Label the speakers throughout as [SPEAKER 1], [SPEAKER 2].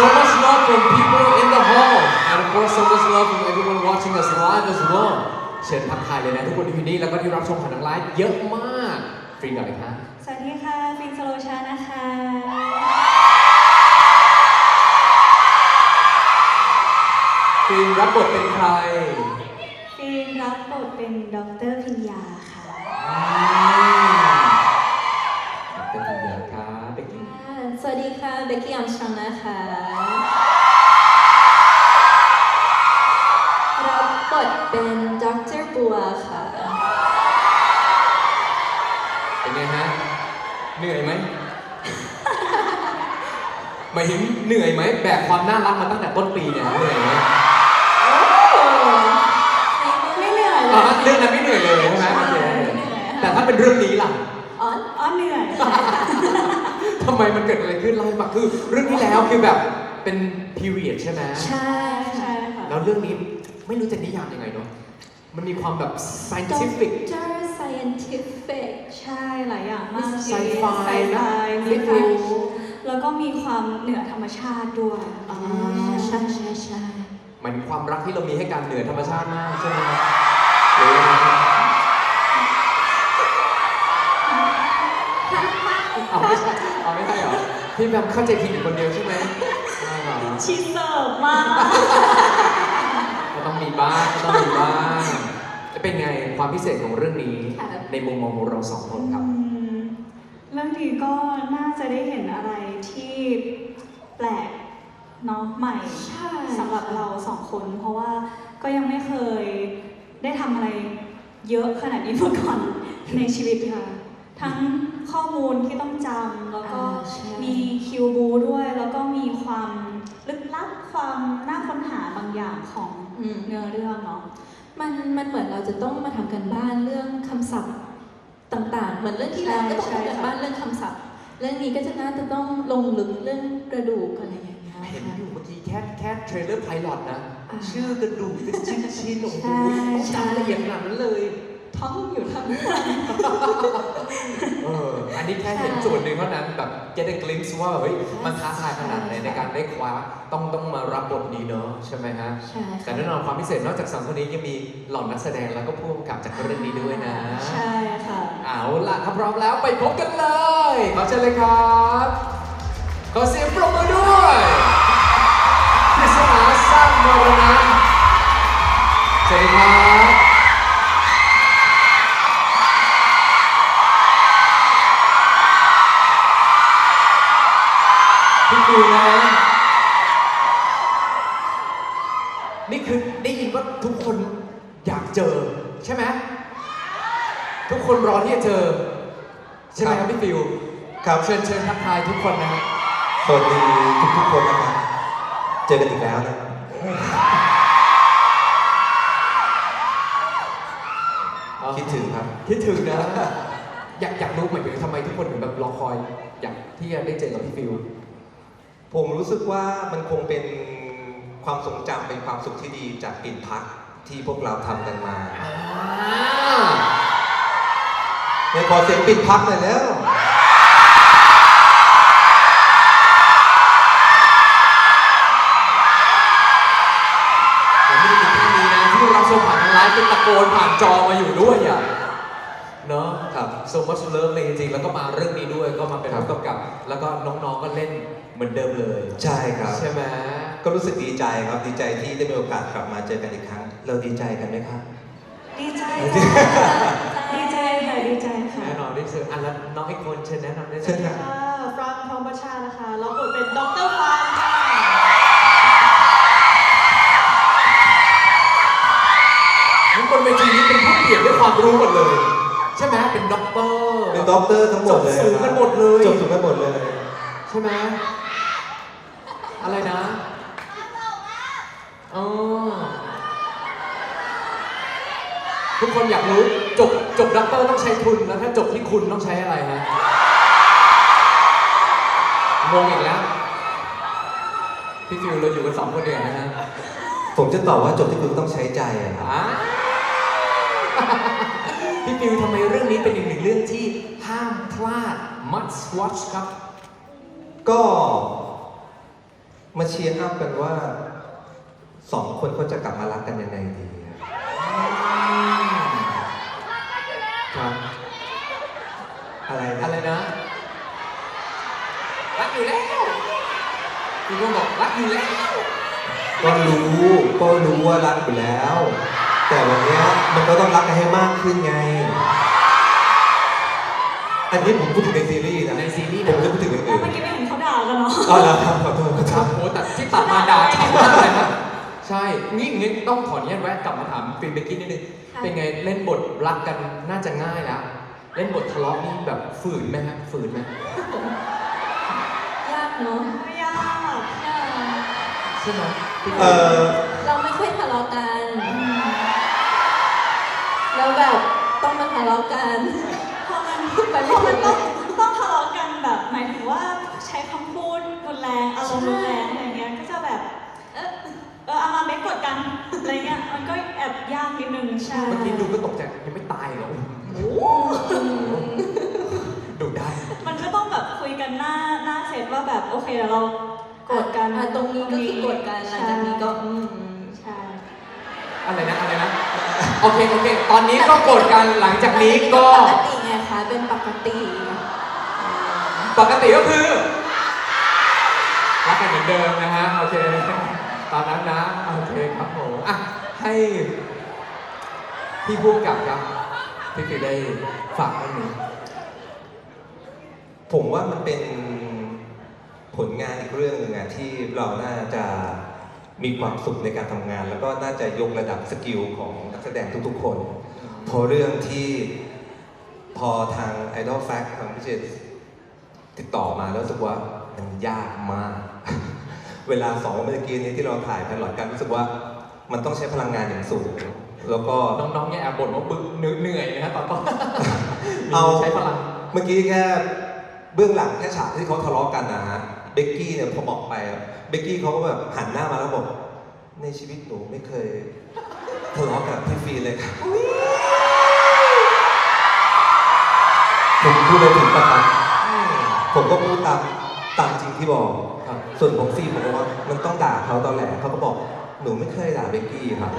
[SPEAKER 1] So much love from people in the hall and of course so much love from everyone watching us live as well เชิญทักทายเลยนะทุกคนที่อยู่นี่แล้วก็ที่รับชมผ่านทางไลฟ์เยอะมากฟรีก่อนเลยครับ
[SPEAKER 2] สวัสดีค่ะฟินสโลชานะคะ
[SPEAKER 1] ฟิล์มรับบทเป็นใคร
[SPEAKER 2] ฟินรับบทเป็นดร.พิญญาค่ะ
[SPEAKER 1] ดร.พิญญาครับเบกกี้
[SPEAKER 2] สวัสดีค่ะเบกกี้อัมสตรองนะคะรับบทเป็นดร.บัวค่ะ
[SPEAKER 1] เป็นไงฮะเหนื่อยไหมหมายถึงเหนื่อยไหมแบกความน่ารักมาตั้งแต่ต้นปีเนี่ยเหนื่อยไหม
[SPEAKER 2] ไม่เหนื่อยเลย
[SPEAKER 1] เรื่องนั้นไม่เหนื่อยเลยใช่ไหมแต่ถ้าเป็นเรื่องนี้ล่ะ
[SPEAKER 2] อ๋อเหนื่อย
[SPEAKER 1] ทำไมมันเกิดอะไรขึ้นเล่าให้ฟังคือเรื่องที่แล้วคือแบบเป็น period ใช่ไหม
[SPEAKER 2] ใช่ค่ะ
[SPEAKER 1] แล้วเรื่องนี้ไม่รู้จะนิยามยังไงเนาะมันมีความแบบ scientific
[SPEAKER 2] scientific ใช่หลายอย่างมาก
[SPEAKER 1] ไซไฟ
[SPEAKER 2] มีแล้วก็มีความเหนือธรรมชาติด้วยใช่
[SPEAKER 1] มันความรักที่เรามีให้กันเหนือธรรมชาติมากใช่ไหมไม่ใช่เหรอพี่แบบเข้าใจผิดอยู่คนเดียวใช่ไหม
[SPEAKER 2] ชิเสิร์ฟมาก
[SPEAKER 1] ก็ต้องมีบ้างจะเป็นไงความพิเศษของเรื่องนี้ในมุมมองของเราสองคนครับ
[SPEAKER 2] เรื่องนี้ก็น่าจะได้เห็นอะไรที่แปลกเนาะใหม่สำหรับเราสองคนเพราะว่าก็ยังไม่เคยได้ทำอะไรเยอะขนาดนี้มาก่อนในชีวิตค่ะทั้งข้อมูลที่ต้องจำแล้วก็มีคิวบูด้วยแล้วก็มีความลึกลับความน่าค้นหาบางอย่างของเนื้อเรื่องเนาะ
[SPEAKER 3] มันเหมือนเราจะต้องมาทำกันบ้านเรื่องคำศัพท์ต่างๆเหมือนเรื่องที่แล้วก็ต้องทำกันบ้านเรื่องคำศัพท์เรื่องนี้ก็จะน่าจะต้องลงลึกเรื่องกระดูกอะไรอย่างเงี้ย
[SPEAKER 1] เห็นอยู่เมื่อกี้แค่เทรลเลอร์ไพลอตนะชื่อกระดูกเป็นชิ้นโอ้โหจำละเอียดขนาดนั้นเลย
[SPEAKER 3] ท้องอยู่ทั้ง
[SPEAKER 1] อันนี้แค่เห็นส่วนหนึ่งเท่านั้นแบบ get a glimpse ว่าเฮ้ยมันท้าทายขนาดไหนในการได้คว้าต้องมารับบทนี้เนาะใช่ไหมฮะแต่แน่นอนความพิเศษนอกจากสองคนนี้ยังมีเหล่านักแสดงแล้วก็ผู้กำกับจากเรื่องนี้ด้วยนะ
[SPEAKER 2] ใช่ค่ะ
[SPEAKER 1] เอาล่ะถ้าพร้อมแล้วไปพบกันเลยขอเชิญเลยครับขอเสียงปรบมือด้วยปริศนาสร้างมรณะสวัสดีครับพี่ดูนะนี่คือได้ยินว่าทุกคนอยากเจอใช่ไหมทุกคนรอที่จะเจอใช่ไหมครับพี่ฟิว
[SPEAKER 4] ครับ
[SPEAKER 1] เชิญทักทายทุกคนนะฮะ
[SPEAKER 4] สวัสดีทุกคนนะครับเจอกันอีกแล้วนะคิดถึงครับ
[SPEAKER 1] คิดถึงนะอยากรู้เหมือนกันทำไมทุกคนถึงแบบรอคอยอยากที่จะได้เจอกับพี่ฟิว
[SPEAKER 4] ผมรู้สึกว่ามันคงเป็นความทรงจำเป็นความสุขที่ดีจากปิ่นพักที่พวกเราทำกันมาเนี่ยขอเสียงปิ่นพักหน่อยแล้ว
[SPEAKER 1] ผมไม่ได้ยินแค่นี้นะที่เราชมผ่านทางไลฟ์เป็นตะโกนผ่านจอมาอยู่ด้วยอ่ะเนาะครับ so much love เลยจริงๆแล้วก็มาเรื่องนี้ด้วยก็มาเป็นผู้กำกับแล้วก็น้องๆก็เล่นเหมือนเดิมเลย
[SPEAKER 4] ใช่ครับ
[SPEAKER 1] ใช่ไหม
[SPEAKER 4] ก็รู้สึกดีใจครับดีใจที่ได้มีโอกาสกลับมาเจอกันอีกครั้งเราดีใจกันไหมครับ
[SPEAKER 2] ดีใจดีใจค่ะดีใจค่ะ
[SPEAKER 1] แน่นอนที่สุดอันแล้วน้องอีกคนเชิญแนะนำได้เลย
[SPEAKER 2] ค่ะฟรังทองประชานะคะรับบทเป็นดร.ฟางค่ะ
[SPEAKER 1] ทุกคนเวทีนี้เป็นผู้เปี่ยมด้วยความรู้หมดเลยใช่ไหมเป็นด็อกเตอร์
[SPEAKER 4] ทั้งหมดเลย
[SPEAKER 1] จบสูงกันหมดเลย
[SPEAKER 4] จบสูงกันหมดเลย
[SPEAKER 1] ใช่ไหมอะไรนะทุกคนอยากรู้จบด็อกเตอร์ต้องใช้ทุนแล้วถ้าจบที่คุณต้องใช้อะไรฮะงงอีกแล้วพี่ฟิวเราอยู่กัน2 คนเดียวนะฮะ
[SPEAKER 4] ผมจะตอบว่าจบที่คุณต้องใช้ใจอะครับ
[SPEAKER 1] พี่ฟิวทำไมเรื่องนี้เป็นอีกหนึ่งเรื่องที่ห้ามพลาด must watch ครับ
[SPEAKER 4] ก็มาเชียร์อัพกันว่าสองคนเขาจะกลับมารักกันยังไงดีครับ อะไรนะ
[SPEAKER 1] อะไรนะ รักอยู่แล้วพี่ก็บอกรักอยู่แล้ว
[SPEAKER 4] ก็รู้ว่ารักอยู่แล้ว แต่วันเนี้ยมันก็ต้องรักกันให้มากขึ้นไง อันนี้ผมพูดถึงในซีรีส์นะ
[SPEAKER 1] ในซีรีส์
[SPEAKER 4] ผมจะพูดถึงอย่าง
[SPEAKER 2] แล้ว
[SPEAKER 4] อื่น
[SPEAKER 2] เมื่อกี้ไม่เห็นเขาด่ากันเนาะ
[SPEAKER 4] อ๋อเหรอครับขอโทษ
[SPEAKER 1] ครับโอ้แต่ที่ตัดมาด่าชัดมากเลยครับใช่งี้ต้องขออนุญาตแวะกลับมาถามฟิล์มเบกกี้นิดนึง
[SPEAKER 3] ค่ะ
[SPEAKER 1] เป็นไงเล่นบทรักกันน่าจะง่ายแล้ว เล่นบททะเลาะนี่แบบฝืนไหมฮะฝืนไหม
[SPEAKER 3] ยากเนาะ
[SPEAKER 2] ไม่ยาก
[SPEAKER 3] ยาก
[SPEAKER 1] ใช่ไหมพี่
[SPEAKER 4] เออ
[SPEAKER 3] เราไม่ค่อยทะเลาะกันแล้วแบบต้องมาทะเลาะกัน
[SPEAKER 2] พอมัน
[SPEAKER 3] ไป
[SPEAKER 2] พ
[SPEAKER 3] ไม่
[SPEAKER 2] อ
[SPEAKER 3] ถึ
[SPEAKER 2] มัน
[SPEAKER 3] ง
[SPEAKER 2] ต้องทะเลาะกันแบบหมายถึงว่าใช้คำพูดรุนแรงอารมณ์รุนแรงอะไรเงี้ยก็จะแบบเอามาไม่กดกันอะไรเงี้ยมันก็แอบยากนิดนึงใช่
[SPEAKER 1] เมื่อกี้ดูก็ตกใจยังไม่ตายเหรอดูได้
[SPEAKER 2] มันก็ต้องแบบคุยกันหน้าเสร็จว่าแบบโอเคเดี๋ยวเรากดกัน
[SPEAKER 3] ตรงนี้ก็คือกดกันหลังจากนี้ก็
[SPEAKER 2] ใช่
[SPEAKER 1] อะไรนะโอเคตอนนี้ก็โกรธกันหลังจากนี้ก็
[SPEAKER 3] ปกติไงคะเป็นปกติ
[SPEAKER 1] ปกติก็คือรักกันเหมือนเดิมนะฮะโอเคตอนนั้นนะโอเคครับผมอ่ะให้พี่พูดกับครับพี่ฟิวได้ฝากเรื่องนี้
[SPEAKER 4] ผมว่ามันเป็นผลงานอีกเรื่องหนึ่งอะที่เราน่าจะมีความสุขในการทำงาน แล้วก็น่าจะยกระดับสกิลของนักแสดงทุกๆคนเพราะเรื่องที่พอทาง Idol Fact ทางพิเศษติดต่อมาแล้วรู้สึกว่ามันยากมาก เวลา2 วันเมื่อกี้นี้ที่เราถ่ายไพลอตกันรู้สึกว่ามันต้องใช้พลังงานอย่างสูง แล้วก็
[SPEAKER 1] น้องๆเนี่ยแอบบ่นว่าบึกเหนื่อยนะฮะตอนต้น
[SPEAKER 4] เอา
[SPEAKER 1] ใช้พลัง
[SPEAKER 4] เมื่อกี้แค่เบื้องหลังแค่ฉากที่เขาทะเลาะกันนะฮะเบกกี้เนี่ยพอบอกไปอะเบกกี้เขาก็แบบหันหน้ามาแล้วบอกในชีวิตหนูไม่เคยทะเลาะกับพี่ฟีเลยค่ะผมพูดเลยถึงปะครับผมก็พูดตามจริงที่บอก
[SPEAKER 1] ครับ
[SPEAKER 4] ส่วนของฟีผมบอกว่ามันต้องด่าเขาตอนแหลเขาก็บอกหนูไม่เคยด่าเบกกี้ครับ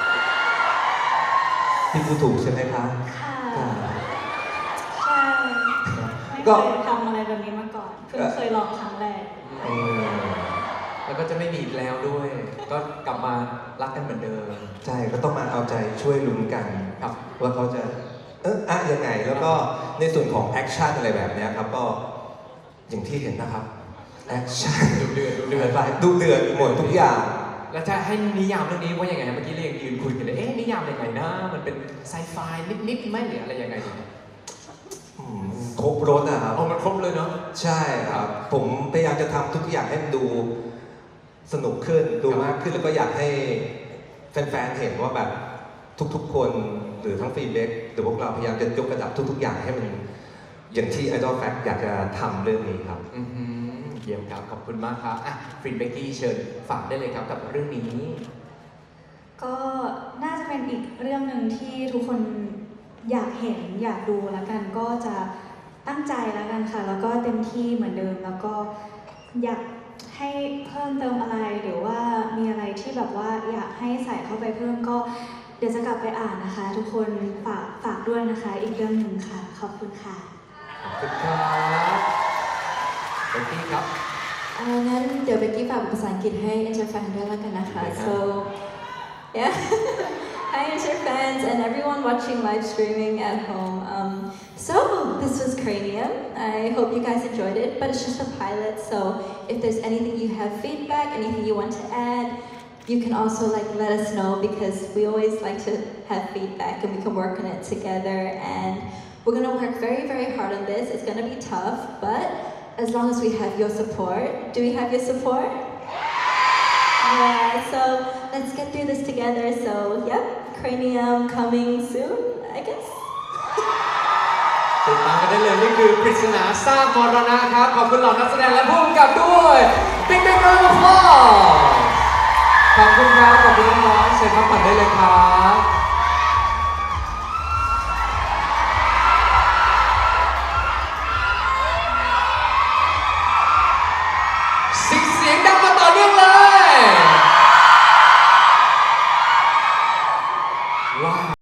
[SPEAKER 4] พี่พูดถูกใช่ไหมคะ
[SPEAKER 2] ค่ะใช่ไม่
[SPEAKER 4] ก็
[SPEAKER 2] เคยทำอะไรแบบนี้มาก่อนเพิ่งเคยลองครั้งแรก
[SPEAKER 4] อืม
[SPEAKER 1] แล้วก็จะไม่มีอีกแล้วด้วย ก็กลับมารักกันเหมือนเดิม
[SPEAKER 4] ใช่ก็ต้องมาเอาใจช่วยลุ้นกัน
[SPEAKER 1] ครับ
[SPEAKER 4] ว่าเขาจะยังไงแล้วก็ในส่วนของแอคชั่นอะไรแบบเนี้ยครับก็อย่างที่เห็นนะครับแอคชั่น
[SPEAKER 1] ดูเดือด
[SPEAKER 4] ดูเดือดหมดทุกอย่าง
[SPEAKER 1] แล้วจะให้นิยามเรื่องนี้ว่ายังไงนะเมื่อกี้เรายังยืนคุยกันเลยนิยามยังไงนะมันเป็นไซไฟนิดๆไหมหรืออะไรยังไงดี
[SPEAKER 4] ครบรถนะครับ
[SPEAKER 1] เอามันครบเลยเนาะ
[SPEAKER 4] ใช่ครับ ผมพยายามจะทำทุกอย่างให้มันดูสนุกขึ้นดูมากขึ้นแล้วก็อยากให้แฟนๆเห็นว่าแบบทุกๆคนหรือทั้งฟีดแบ็กหรือพวกเราพยายามจะยกระดับทุกๆอย่างให้มันอย่างที่ Idol Fact อยากจะทำเรื่องนี้ครับ
[SPEAKER 1] เยี่ยมครับขอบคุณมากครับอ่ะฟรินเบกกี้เชิญฝากได้เลยครับกับเรื่องนี้
[SPEAKER 2] ก็น่าจะเป็นอีกเรื่องหนึ่งที่ทุกคนอยากเห็นอยากดูแล้วกันก็จะตั้งใจแล้วกันค่ะ แล้วก็เต็มที่เหมือนเดิม แล้วก็อยากให้เพิ่มเติมอะไรหรือว่ามีอะไรที่แบบว่าอยากให้ใส่เข้าไปเพิ่มก็เดี๋ยวจะกลับไปอ่านนะคะ ทุกคนฝากด้วยนะคะ อีกเรื่องหนึ่งค่ะขอบคุณค่ะ
[SPEAKER 1] ขอบคุณครับเบกกี้ครับ
[SPEAKER 3] งั้นเดี๋ยวเบกกี้ฝากภาษาอังกฤษให้ Enter Fan ด้วยแล้วกันนะคะ so yeah hi Enter Fans and everyone watching live streaming at home so this was Cranium I hope you guys enjoyed it but it's just a pilot so if there's anything you have feedback anything you want to add you can also let us know because we always like to have feedback and we can work on it together and we're gonna work very hard on this it's gonna be tough but as long as we have your support. Do we have your support? Yeah, so let's get through this together. So, yep, Cranium coming soon, I guess.
[SPEAKER 1] ติดตามกันได้เลยนี่คือปริศนาสร้างมรณะครับขอบคุณเหล่านักแสดงและผู้กำกับด้วยบิ๊กบิ๊กโรลฟอร์ขอบคุณครับขอบคุณน้องๆเชิญพักผ่อนได้เลยครับ